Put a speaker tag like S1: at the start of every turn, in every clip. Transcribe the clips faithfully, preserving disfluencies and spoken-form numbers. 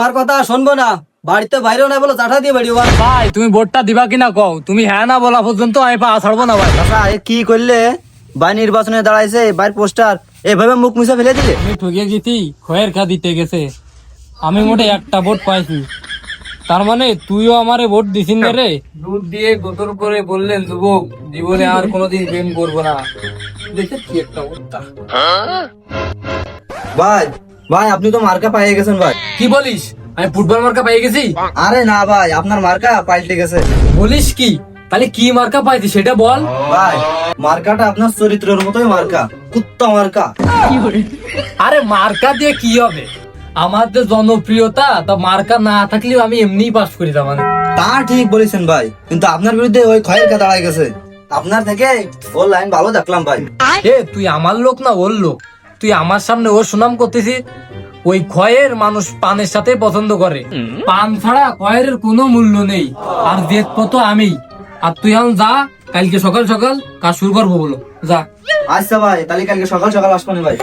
S1: আমার কথা শুনবো না, বাড়িতে বাইরেও না বলো, চাটা দিয়ে বেরিয়ে
S2: ভাই তুমি ভোটটা দিবা কিনা কও, তুমি হ্যাঁ না বলা পর্যন্ত আমি পা ছাড়বো না ভাই।
S1: আচ্ছা এ কি করলে? ভাই নির্বাচনে দাঁড়াইছে, বাইর পোস্টার এভাবে মুখ মুছে ফেলে দিলে।
S2: আমি ঠকে গেছি, খয়ের খা দিতে গেছে, আমি মোটে একটা ভোট পাইছি, তার মানে তুইও আমারে ভোট দিছিস না রে। দুধ দিয়ে গোতর করে বললেন যুবক জীবনে আর কোনোদিন প্রেম করবো না। দেখে কি একটা অবস্থা।
S1: ভাই ভাই আপনি তো মার্কা পাইয়ে গেছেন ভাই।
S2: কি বলিস, আমি ফুটবল মার্কা পাই গেছি?
S1: আরে না ভাই, আপনার মার্কা পাল্টে গেছে।
S2: বলিস কি? তাহলে কি মার্কা পাইছি সেটা বল।
S1: ভাই মার্কাটা আপনার চরিত্রের মতোই মার্কা, কুত্তা মার্কা।
S2: আরে মার্কা দিয়ে কি হবে, আমার যে জনপ্রিয়তা, তা মার্কা না থাকলেও আমি এমনি পাস করি। তার মানে
S1: তা ঠিক বলেছেন ভাই, কিন্তু আপনার বিরুদ্ধে ওই খয়ের কা দাঁড়ায় গেছে। আপনার থেকে ওর লাইন ভালো দেখলাম ভাই।
S2: এ তুই আমার লোক না ওর লোক? তুই আমার সামনে ওর সুনাম করতেছিস? ওই খয়ের মানুষ পানের সাথে পছন্দ করে, পান ছাড়া খয়ের কোনো মূল্য নেই। আর দেখবো তো আমি। আর তুই এখন যা, কালকে সকাল সকাল কাজ শুরু করবো বলো, যা।
S1: আচ্ছা ভাই, তাহলে কালকে সকাল সকাল আসবো না ভাই।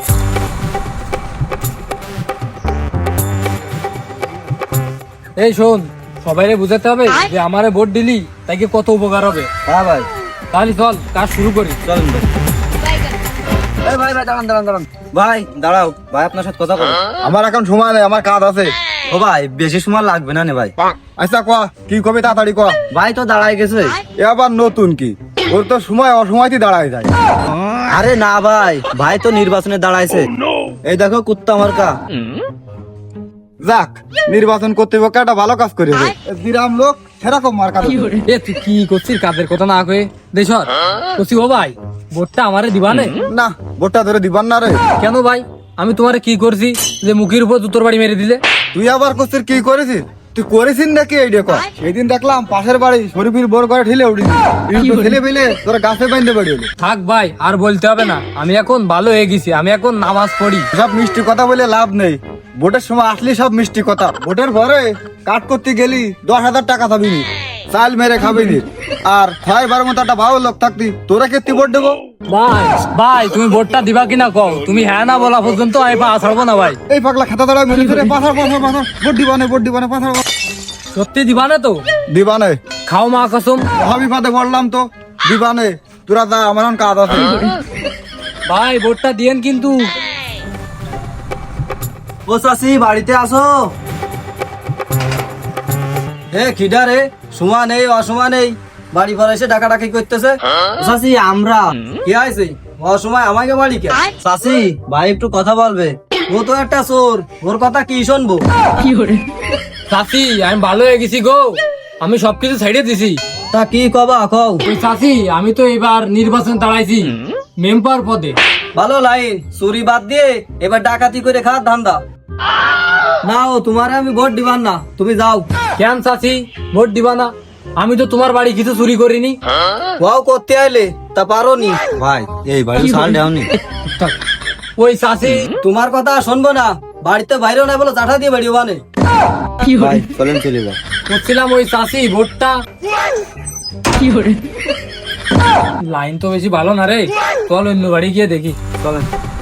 S2: এই শোন, সবাইরে বুঝাতে হবে যে আমারে ভোট দিলি তাইকে কত উপকার হবে।
S1: হ্যাঁ ভাই,
S2: তাহলে চল কাজ শুরু করি।
S1: চলেন ভাই। এই ভাই ভাই দাঁড়ান দাঁড়ান দাঁড়ান ভাই, দাঁড়াও ভাই, আপনার সাথে কথা বলো।
S3: আমার এখন সময় নেই, আমার কাজ আছে।
S1: ও ভাই বেশি সময় লাগবে না নে ভাই।
S3: আচ্ছা কয়া, কি কবি তাড়াতাড়ি কয়া।
S1: ভাই তো দাঁড়ায় গেছে।
S3: এ আবার নতুন কি? ওর তো সময় অসময়তেই দাঁড়ায় যায়।
S1: আরে না ভাই, ভাই তো নির্বাচনে দাঁড়াইছে। এই দেখো কুত্তা মার্কা।
S3: যাক, নির্বাচন কর্তৃপক্ষ একটা ভালো কাজ করেছে। বিরাম লোক সেরকম মার্কা দেবে।
S2: এ তুই কি করছিস, কাজের কথা না কয়ে দেশ করছি। ও ভাই ভোটটা আমারে দিবানে?
S3: না, ভোটটা ধরে দিবান না রে।
S2: কেন ভাই, আমি তোমারে কি করছি যে মুখের উপর জুতোর বাড়ি মেরে দিলে?
S3: তুই আবার করছিস কি করেছিস? তুই করেছিস নাকি এই দেখো? সেদিন দেখলাম পাশের বাড়ি শরীফির বোর করে ঠেলে উঠেছি, ঠেলে ফেলে তোরা গাছে বাইন্ধে বাড়ি হলো।
S2: থাক ভাই, আর বলতে হবে না, আমি এখন ভালো হয়ে গেছি, আমি এখন নামাজ পড়ি।
S3: সব মিষ্টি কথা বলে লাভ নেই। ভোটের সময় আসলি সব মিষ্টি কথা, ভোটের পরে কাট করতে গেলি দশ হাজার টাকা খাবি নি, চাল মেরে খাবি নি। আর ছয় বার মতো একটা ভালো লোক থাকতি, তোরা কেতি ভোট দেবো?
S2: ভাই ভাই তুমি ভোটটা দিবা কিনা কও, তুমি হ্যাঁ না বলা পর্যন্ত আমি পা ছাড়বো না ভাই।
S3: এই পাগলা খাতা দাঁড়ায় মেরে ফেলে পাথর পাথর পাথর ভোট দিবানে ভোট দিবানে পাথর
S2: সত্যি দিবানে তো?
S3: দিবানে।
S2: খাও মা কসম।
S3: মহাবিপদে পড়লাম তো, দিবানে। তোরা যা, আমার এখন কাজ আছে।
S2: ভাই ভোটটা দিয়েন কিন্তু।
S1: ও চাষি বাড়িতে আসো। হে খিডা রে, সময় নেই অসময় নেই, বাড়ি ঘর এসে ডাকা ডাকি করতেছে। ও চাষি আমরা কে আইছে অসময় আমাকে বাড়ি কে? চাষি ভাই একটু কথা বলবে, ও তো একটা চোর, ওর কথা কি শুনবো?
S2: চাচি আমি ভালো হয়ে গেছি গো, আমি সবকিছু ছেড়ে দিছি।
S1: তা কি কবা কও?
S2: ওই চাচি আমি তো এবার নির্বাচন দাঁড়াইছি মেম্বার পদে।
S1: ভালো লাইন, চুরি বাদ দিয়ে এবার ডাকাতি করে খাওয়ার ধান্দা। না ও তোমারে আমি ভোট দিবার না, তুমি যাও।
S2: কেন চাচি ভোট দিবা না? আমি তো তোমার বাড়ি কিছু চুরি করিনি।
S1: ওয়াও করতে আইলে তা পারো নি ভাই, এই বাড়ি সাল দেওনি।
S2: ওই চাচি
S1: তোমার কথা শুনবো না, বাড়িতে বাইরেও না বলো, চাটা দিয়ে বেরিয়ে বানে। ভাই চলেন চলে যাও।
S2: করছিলাম ওই চাচি ভোটটা। লাইন তো বেশি ভালো না রে, চল অন্য বাড়ি গিয়ে দেখি।
S1: চলেন।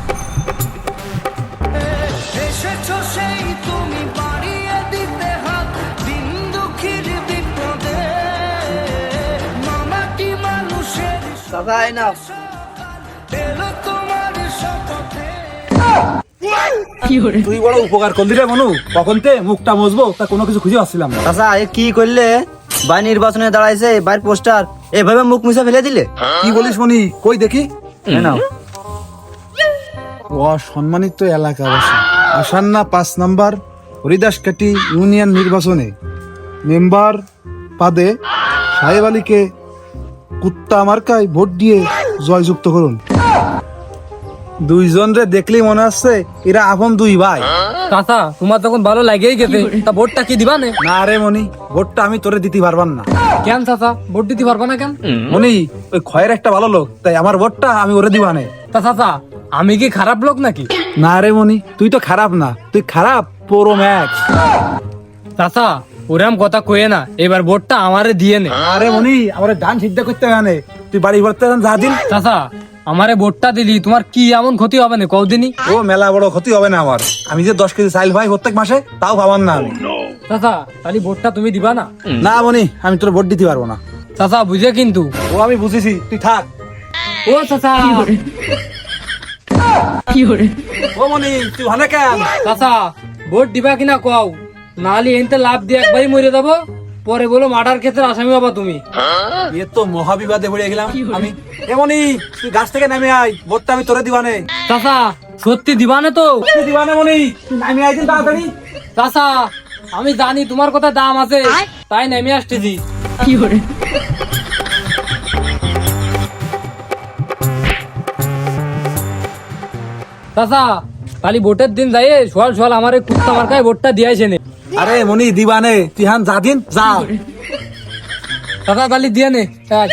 S1: চাচা আয় না।
S4: তুই বড় উপকার করলি রে মনু, কখন তে মুখটা বসবো তা কোনো কিছু খুঁজে পাচ্ছিলাম না।
S1: চাচা এ কি করলে? ভাই নির্বাচনে দাঁড়াইছে, বাইর পোস্টার এভাবে মুখ মুছে ফেলে দিলে।
S4: কি বলিস মনি, কই দেখি।
S1: এই নাও।
S4: অসম্মানিত এলাকা বাসী, আসান্না পাঁচ নাম্বার হরিদাসকাটি ইউনিয়ন নির্বাচনে মেম্বার পদে সাহেব আলীকে কুত্তা মার্কায় ভোট দিয়ে জয়যুক্ত করুন। দুইজন রে দেখলেই মনে হচ্ছে এরা আপন দুই ভাই।
S2: চাচা তোমার তখন ভালো লাগেই গেছে, তা ভোটটা কি দিবা না?
S4: না রে মনি, ভোটটা আমি তোরে দিতে পারবান না।
S2: কেন চাচা ভোট দিতে পারবা না কেন?
S4: মনি ওই খয়ের একটা ভালো লোক, তাই আমার ভোটটা আমি ওরে দিবানে।
S2: তা চাচা আমি কি খারাপ লোক নাকি?
S4: না রে মনি, তুই তো খারাপ না, তুই খারাপ পুরো ম্যাক্স।
S2: চাচা ওরাম কথা কয়ে না, এবার ভোটটা আমারে দিয়ে নে।
S4: আরে মনি, আমার ডান সিদ্ধা করতে জানে, তুই বাড়ি ভরতে যা দিন।
S2: চাচা আমারে ভোটটা দিলি তোমার কি এমন ক্ষতি হবে না কদিনই?
S4: ও মেলা বড় ক্ষতি হবে না আমার, আমি যে দশ কেজি চাইল ভাই প্রত্যেক মাসে, তাও ভাবান না আমি।
S2: চাচা তাহলে ভোটটা তুমি দিবা না?
S4: না মনি, আমি তোর ভোট দিতে পারবো না।
S2: চাচা বুঝে কিন্তু।
S4: ও আমি বুঝেছি, তুই থাক।
S2: ও চাচা,
S4: ও মনি, তুই ভালো কেন?
S2: চাচা ভোট দিবা কিনা কও, নাহলে এনতে লাভ দিয়ে একবারই মরে যাবো, পরে বলো মার্ডার ক্ষেত্রে আসামি হবা তুমি।
S4: এ তো মহাবিবাদে পড়ে গেলাম আমি। এমনই তুই গাছ থেকে নামে আয়, ভোটটা আমি তোরে দিবানে।
S2: চাচা সত্যি দিবা না তো?
S4: তুই দিবানে মনি, তুই নামে আয় দিন তাড়াতাড়ি।
S2: চাচা আমি জানি তোমার কথা দাম আছে, তাই নেমে আসতেছি। চাচা খালি ভোটের দিন যাই সোয়াল সোয়াল আমার এই কুত্তা মার্কায় ভোটটা দিয়েছে নে।
S4: আরে মনি দিবানে, তুই হান যা দিন যা।
S2: চাচা তাহলে দিয়ে নে। এক,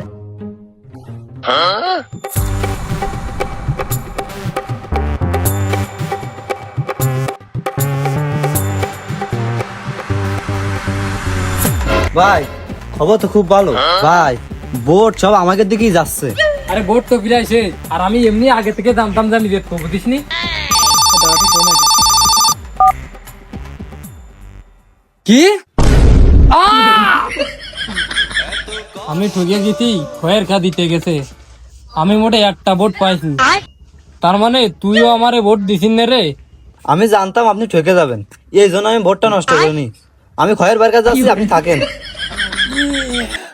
S1: ভাই খবর তো খুব ভালো ভাই, বোট সব আমাকে দিকেই যাচ্ছে।
S2: আরে ভোট তো ফিরাইছে, আর আমি এমনি আগে থেকে জানতাম জানি রেট কম বুঝিস নি। কি আহ! আমি ঠকে গেছি, খয়ের খা দিতে গেছে। আমি মোটে একটা ভোট পাইছি, তার মানে তুইও আমারে ভোট দিছিস না রে?
S1: আমি জানতাম আপনি ঠকে যাবেন, এই জন্য আমি ভোটটা নষ্ট করিনি। আমি খয়ের বার কাছে যাচ্ছি, আপনি থাকেন।